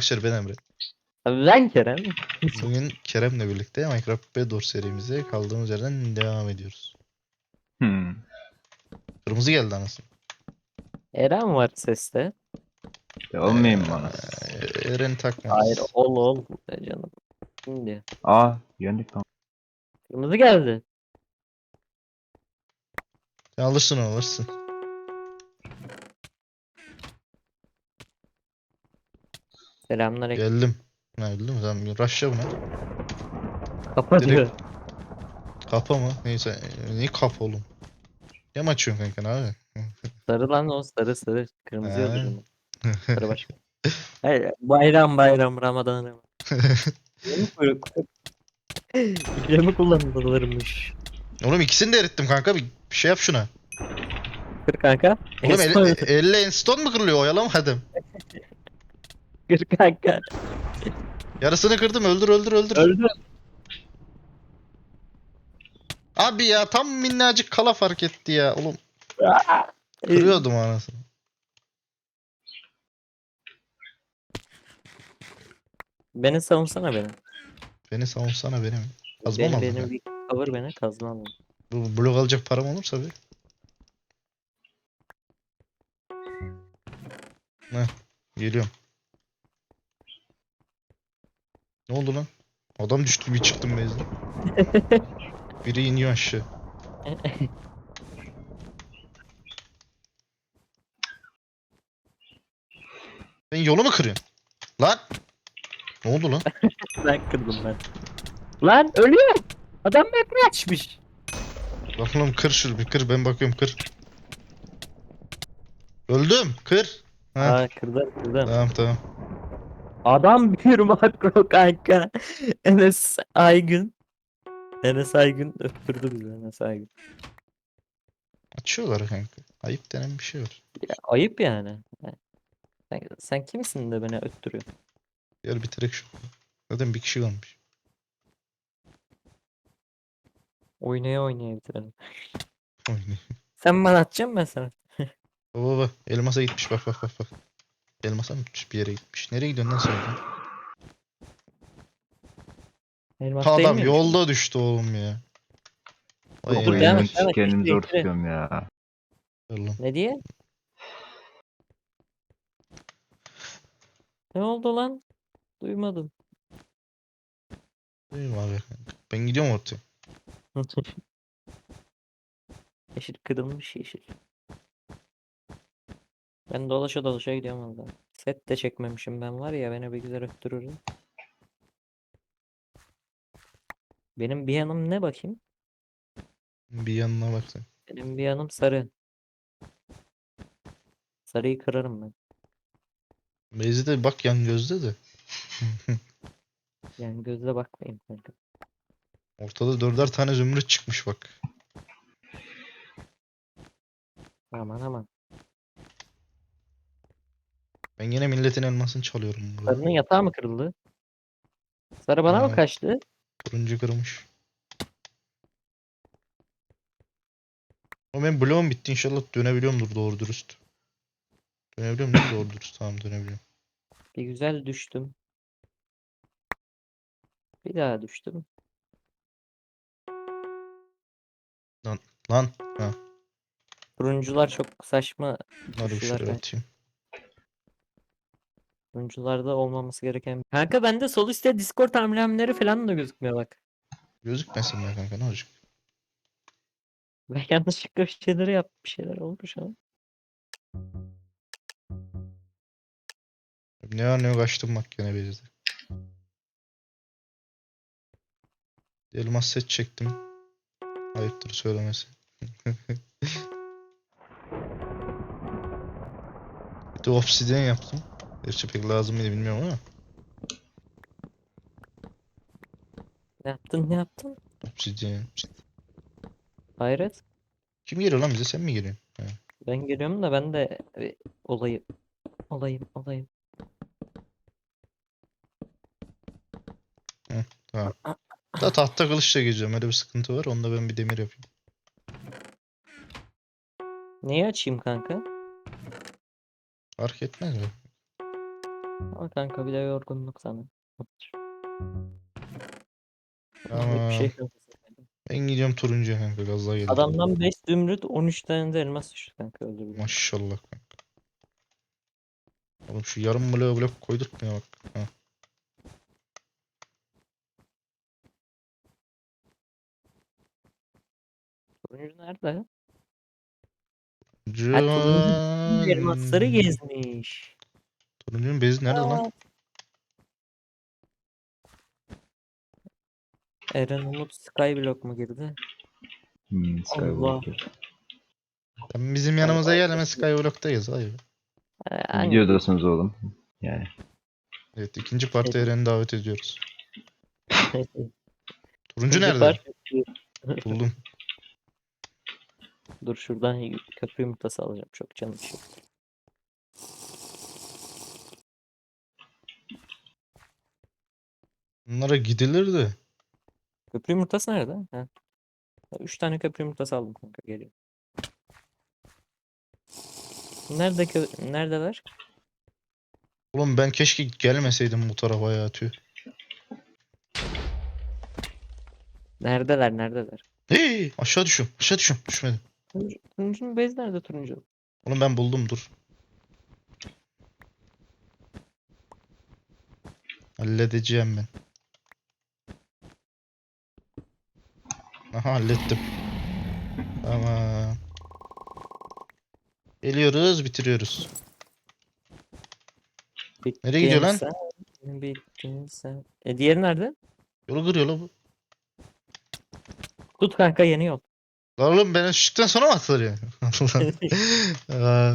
arkadaşlar, ben Emre. Abi ben Kerem. Bugün Kerem'le birlikte Minecraft Bedwars serimize kaldığımız yerden devam ediyoruz. Hmm. Kırmızı geldi anasını. Eren var seste. Olmayayım mı bana? Eren Hayır takmaz. ol be canım. Şimdi. Aa yendik tamam. Kırmızı geldi. Sen alırsın. Selamünaleyküm. Geldim. Ha, öldü mü? Tamam, rush'a buna. Kapa diyor. Direkt kapa mı? Neyse. Niye kapa oğlum? Ne mi açıyorsun kanka abi? Sarı lan o sarı. Kırmızı Ha. öldürdüm. Sarı başka. Hayır, bayram Ramazan. Yeni kuyruk. İkremi kullanılırmış. Oğlum ikisini de erittim kanka. Bir şey yap şuna. Kır kanka. Oğlum Enstone. elle enstone mu kırılıyor? Oyalamadım. Kır kanka. Yarısını kırdım. Öldür. Öldü. Abi ya tam minnacık kala fark etti ya. Oğlum kırıyordum anasını. Beni savunsana beni. Beni savunsana benim. Kazma mı aldın Benim kanka? bir cover beni kazma alın. Bu blok alacak param olursa bir. Heh, geliyorum. Ne oldu lan? Adam düştü, bir çıktım bezden. Biri iniyor aşağı. Sen yolu mu kırıyorsun? Lan! Ne oldu lan? Ben kırdım ben. Lan ölüyor. Adam map'i açmış. Lan oğlum kır şunu bir kır, ben bakıyorum, kır. Öldüm, kır. Ha, Aa kırdım. tamam. Adam bir makro kanka. Enes Aygün. Enes Aygün öptürdü bizi Enes Aygün. Açıyorlar kanka. Ayıp denen bir şey var. Ya, ayıp yani. Sen kimsin de beni öttürüyorsun? Gel bitirek şu. Zaten bir kişi kalmış. Oynaya bitirelim. Oynayayım. Sen bana atacaksın ben sana. Baba elmasa gitmiş, bak. Elmasa mı gitmiş, bir yere gitmiş. Nereye gidiyorsun lan sen oradan? Elmas değil Adam miymiş? yolda düştü oğlum ya. Vay Dur, enayi. devam Oyunun et. kendimi zor Bitirin. tutuyorum ya. Allah'ım. Ne diye? Ne oldu lan? Duymadım. Duyayım abi kanka. Ben gidiyorum ortaya. Yeşil kırılmış yeşil. Ben dolaşa gidiyorum valla. Set de çekmemişim ben var ya beni bir güzel öttürürüm. Benim bir yanım ne bakayım? Bir yanına bak sen. Benim bir yanım sarı. Sarıyı kırarım ben. Beyzi de bak yan gözde de. Yani gözle bakmayayım kanka. Ortada 4'er tane zümrüt çıkmış bak. Aman. Ben yine milletin elmasını çalıyorum burada. Sarının yatağı mı kırıldı? Sarı bana mı kaçtı? Turuncu kırmış. Ama benim bloğum bitti, inşallah dönebiliyorumdur doğru dürüst. Dönebiliyorum değil mi doğru dürüst? Tamam, dönebiliyorum. Bir güzel düştüm. Bir daha düştüm. Lan. Ha. Turuncular çok saçma Bunları bir düştüler şöyle kanka. atayım. Turuncularda olmaması gereken. Kanka bende sol üstte Discord amblemleri falan da gözükmüyor bak. Gözükmesin be kanka, ne olacak? Ben yanlışlıkla bir şeyler olmuş ama. Ne var ne yok açtım bak gene Beyzi'de. Elmas set çektim. Ayıptır söylemesi. Bir de obsidian yaptım. Gerçi pek lazım mıydı bilmiyorum ama. Ne yaptın? Obsidian. Hayret. Kim geliyor lan bize, sen mi geliyorsun? Ha. Ben geliyorum da ben de bir olayım. Tamam. Da tahta kılıçla geziyorum, öyle bir sıkıntı var. Onda ben bir demir yapayım. Neyi açayım kanka? Fark etmez mi? Ama kanka bir de yorgunluk sana. Bir Tamam. şey yok. Ben gidiyorum turuncuya kanka, gaz daha geldi. Adamdan 5 zümrüt 13 tane de elmas düştü kanka, özür dilerim. Maşallah kanka. Oğlum şu yarım blok koydurtmuyor bak. Ha. Turuncu nerede? Ha, turuncu bütün elmasları Can. gezmiş. Turuncunun bezi nerede lan? Aa. Eren Umut Skyblock mu girdi? Allah. Skywalker. Sen bizim yanımıza gel, hemen Skyblock'tayız. Hayır. Hangi Videodasınız oğlum. Yani. Evet, ikinci parti Eren'i davet ediyoruz. Turuncu ikinci nerede? part? Buldum. Dur şuradan köprü yumurtası alacağım. Çok canım çekti. Bunlara gidilir de. Köprü yumurtası nerede? Ha. 3 tane köprü yumurtası aldım kanka, geliyor. Neredeler? Oğlum ben keşke gelmeseydim bu tarafa ya, tüh. Neredeler? Hey, aşağı düşüyorum. Aşağı düşüyorum. Düşmedim. Turuncunun base nerede turuncu? Oğlum ben buldum, dur. Halledeceğim ben. Aha, hallettim. Tamam. Geliyoruz, bitiriyoruz. Nereye gidiyor lan? Bittin sen. Diğeri nerede? Yolu kırıyor la bu. Tut kanka, yeni yol. Lan oğlum, beni şıktan sonra mı atılır yani? Aa,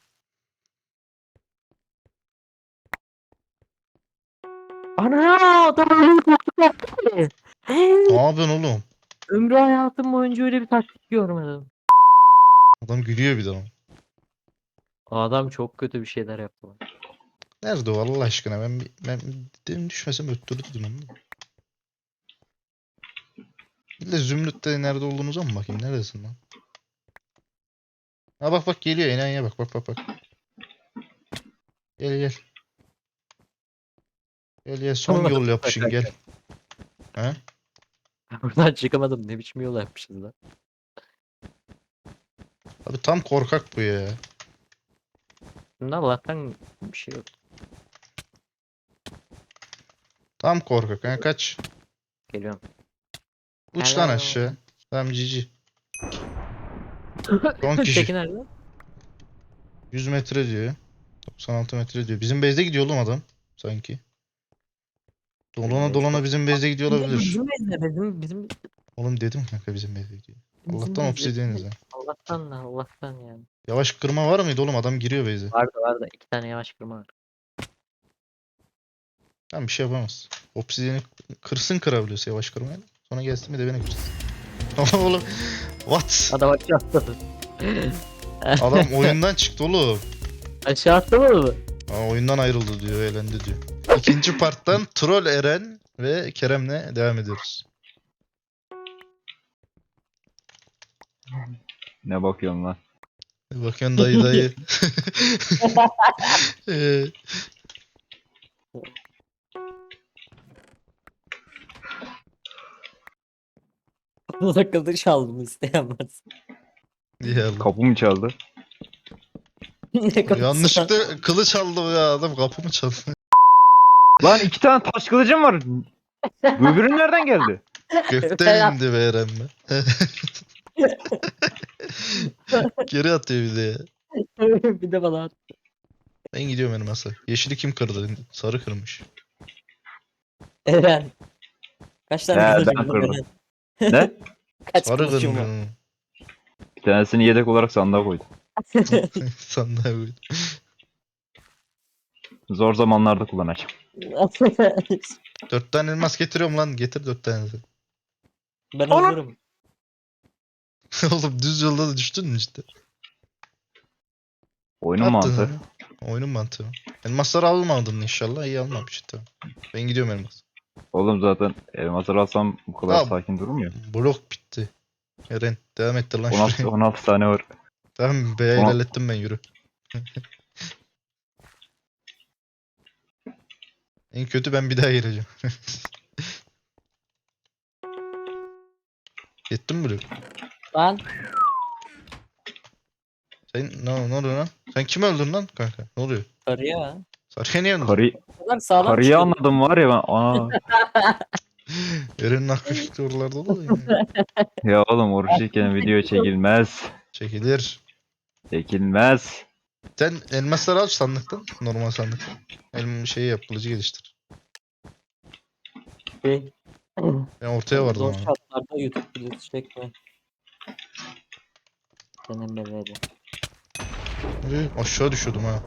Ana, adam öyle bir taktik yaptı ki. ne yapıyorsun oğlum? Ömrü hayatım boyunca öyle bir taktik görmedim. Adam gülüyor bir de ama. Adam çok kötü bir şeyler yaptı. Nerede o Allah aşkına? Ben dedim düşmesem öttürürdüm onu. Bir de Zümrüt'te nerede olduğunuza mı bakayım? Neredesin lan? Ha, bak geliyor, enayiye bak. Gel. Gel son Tamam, yol yapışın gel. Ha? buradan çıkamadım. Ne biçim yol yapmışız lan. Abi tam korkak bu ya. Bunda Allah'tan bir şey yok. Tam korkak. Ha, kaç. Geliyorum. Uç lan Hello. aşağı. Tamam, cici. Son kişi. Teki nerede? 100 metre diyor. 96 metre diyor. Bizim base'de gidiyor oğlum adam. Sanki. Dolana bizim base'de gidiyor olabilir. Bizim bezde, bizim Oğlum dedim kanka, bizim base'de gidiyor. Allah'tan bezde. obsidiyeniz ha. Allah'tan yani. Yavaş kırma var mıydı oğlum? Adam giriyor base'e. Vardı. 2 tane yavaş kırma var. Tamam, bir şey yapamaz. Obsidiyeni kırabiliyorsa yavaş kırmayla. Sonra gelsin bir de beni kırsın. Oğlum. What? Adam aşağı atladı. Adam oyundan çıktı oğlum. Aşağı atladı mı? Oyundan ayrıldı diyor, elendi diyor. İkinci parttan Troll Eren ve Kerem'le devam ediyoruz. Ne bakıyorsun lan? Bakın dayı. Ee, Takıldı, çaldım, isteyen varsa. diye Allah. Kapı mı çaldı? Ne kapısı lan? Yanlışlıkla kılıç aldı ya adam, kapımı çaldı. Lan 2 tane taş kılıcım var. Bu öbürü nereden geldi? Gökten indi be Eren be. Geri atıyor bir de ya. Bir de bana at. Ben gidiyorum benim masa. Yeşili kim kırdı? Sarı kırmış. Eren. Kaç tane He, kılıcım ben var kırdım. Eren? Ne? Kaç Sarı kılıcım var? kırmış. Bir tanesini yedek olarak sandığa koydum. Sandığa koydum. Zor zamanlarda kullanacağım. 4 tane elmas getiriyorum lan. Getir 4 tane. Ben hazırım. Oğlum düz yolda da düştün mü işte? Oyunun Attın mantığı. ha. Oyunun mantığı. Elmasları almadın inşallah. İyi almamış tamam. Ben gidiyorum elmas. Oğlum zaten elmasları alsam bu kadar Tamam. sakin durmuyor. Blok bitti. Eren devam ettir lan 16, şuraya. 16 tane var. Tamam be, Ona- ilerlettim ben, yürü. En kötü ben bir daha gireceğim. Yettin mi Blue? Lan Sen ne oluyor lan? Sen kim öldün lan kanka? Ne oluyor? karıya. Sarıya niye öldün? Karı, O kadar sağlam karıyı çıkıyor. anladım var ya ben. Aa. Eren'in hakkı fikri oralarda da yani. Ya oğlum oruçluyken video çekilmez. Çekilir. Çekilmez. Sen elmasları al sandıktan. Normal sandıktan. Şeyi yap. Kılıcı geliştir. Şey, Ben ortaya vardım zor ama. şartlarda YouTube videosu çekme. Denemeleri. Aşağı düşüyordum ha.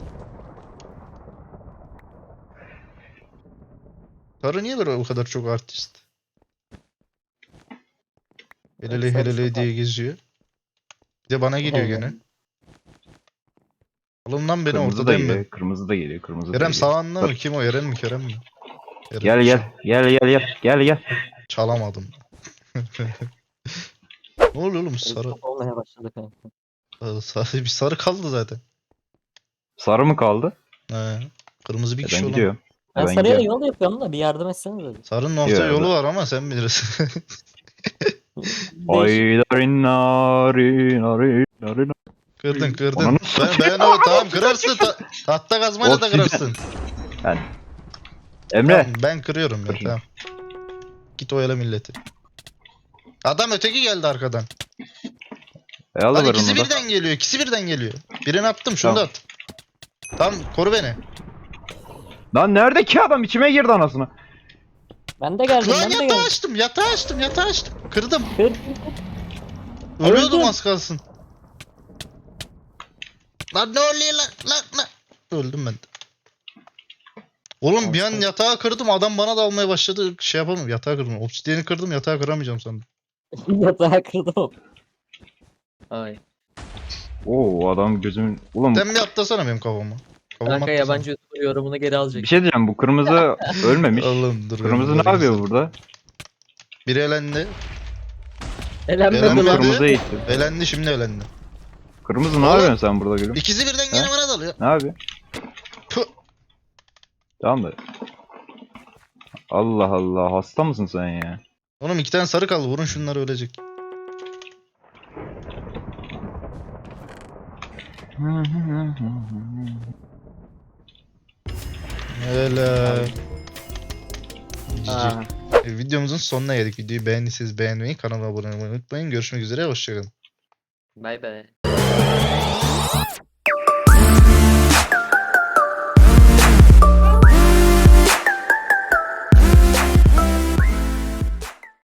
Sarı niye böyle bu kadar çok artist? Helele Sarı helele çok diye geziyor. Bir de bana geliyor Evet. gene. Alın lan beni Kırmızı da ortadayım ben. geliyor. Kırmızı da geliyor. Kırmızı da Kerem geliyor. sağında mı? Kim o? Eren mi? Kerem mi? Eren. Gel gel. Gel gel gel. Gel gel. Çalamadım. Ne oluyor oğlum sarı? Çok olmaya başladı kanka. Sarı bir sarı kaldı zaten. Sarı mı kaldı? He. Kırmızı bir kişi Ben olan. gidiyorum. Ben Ben sarıya gidiyorum. yol yapıyorum da bir yardım etsene dedi. Sarının orta Yok, yolu var ama sen bilirsin. Değişik. Ay nari nari nari. Kırdın kırdın. Ananı Ben o tamam kırarsın. Tahta kazmayla da Oksijen. kırarsın. Emre. Tamam, ben kırıyorum ya Kır şunu. tamam. Git oyala milleti. Adam öteki geldi arkadan. Al Hadi ver ikisi onu da. birden geliyor. İkisi birden geliyor. Birini attım şunu Tamam. da at. Tamam koru beni. Lan nerede ki adam içime girdi anasını. Ben de geldim Lan ben de yatağı geldim. açtım yatağı açtım. Kırdım. Kır. Ölüyordum Öldüm. az kalsın. Lan ne oluyor lan. Öldüm ben de. Oğlum bir an Olsun. yatağı kırdım adam bana da almaya başladı. Şey yapamıyorum yatağı kırdım. Obsidiyeni kırdım yatağı kıramayacağım sandım. Yatağı kırdım. Ay. Oo adam gözümün. Oğlum Sen bir atlasana benim kafama. Kafama Kanka atlasana. yabancı YouTuber yorumunu geri alacak. bir şey diyeceğim bu kırmızı ölmemiş. Oğlum dur. Kırmızı ne bunları yapıyor izledim. burada? Biri elendi. Elenmedi Elenmedi. lan. Kırmızı gitti. Elendi şimdi elendi. Kırmızı ne Oğlum. yapıyorsun sen burada gülüm? İkisi birden gene Ha? bana dalıyor. Ne yapıyor? Puh. Tamam da. Allah Allah hasta mısın sen ya? Oğlum iki tane sarı kaldı. Vurun şunları ölecek. Helal. Aa. Videomuzun sonuna geldik. Videoyu beğendiyseniz beğenmeyi, kanala abone olmayı unutmayın. Görüşmek üzere. Hoşçakalın. Bay bay.